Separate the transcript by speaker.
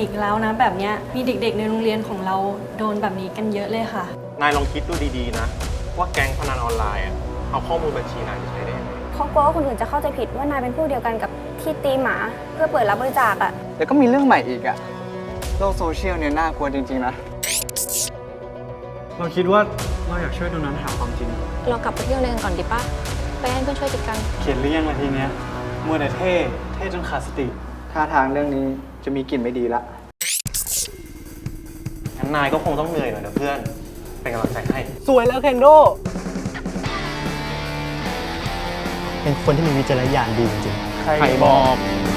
Speaker 1: อีกแล้วนะแบบเนี้ยมีเด็กๆในโรงเรียนของเราโดนแบบนี้กันเยอะเลยค่ะ
Speaker 2: นายลองคิดดูดีๆนะว่าแก๊งพนันออนไลน์อะเอาข้อมูลบัญชีนายไปใช้ได้ยังไง
Speaker 3: เขากลัวว่าคนอื่นจะเข้าใจผิดว่านายเป็นผู้เดียวกันกับที่ตีหมาเพื่อเปิดรับบริจาคอะ
Speaker 4: เดี๋ยวก็มีเรื่องใหม่อีกอะโลกโซเชียลเนี่ยน่ากลัวจริงๆนะ
Speaker 5: เราคิดว่าเราอยากช่วยตรงนั้นหาความจริง
Speaker 6: เรากลับไปเที่ยวในกันก่อนดีป่ะ ไปให้เพื่อนช่วยจัดการ
Speaker 5: เขียนหรือยังละทีเนี้ยมัวแต่เท่จนขาดสติ
Speaker 4: ท่าทางเรื่องนี้จะมีกลิ่นไม่ดีละ
Speaker 2: งั้นนายก็คงต้องเหนื่อยหน่อยนะเพื่อน เป็นกำลังใจให้
Speaker 4: สวยแล้วเคนโด
Speaker 7: เป็นคนที่มีวิจารณญาณดีจริงๆ
Speaker 4: ใครบอก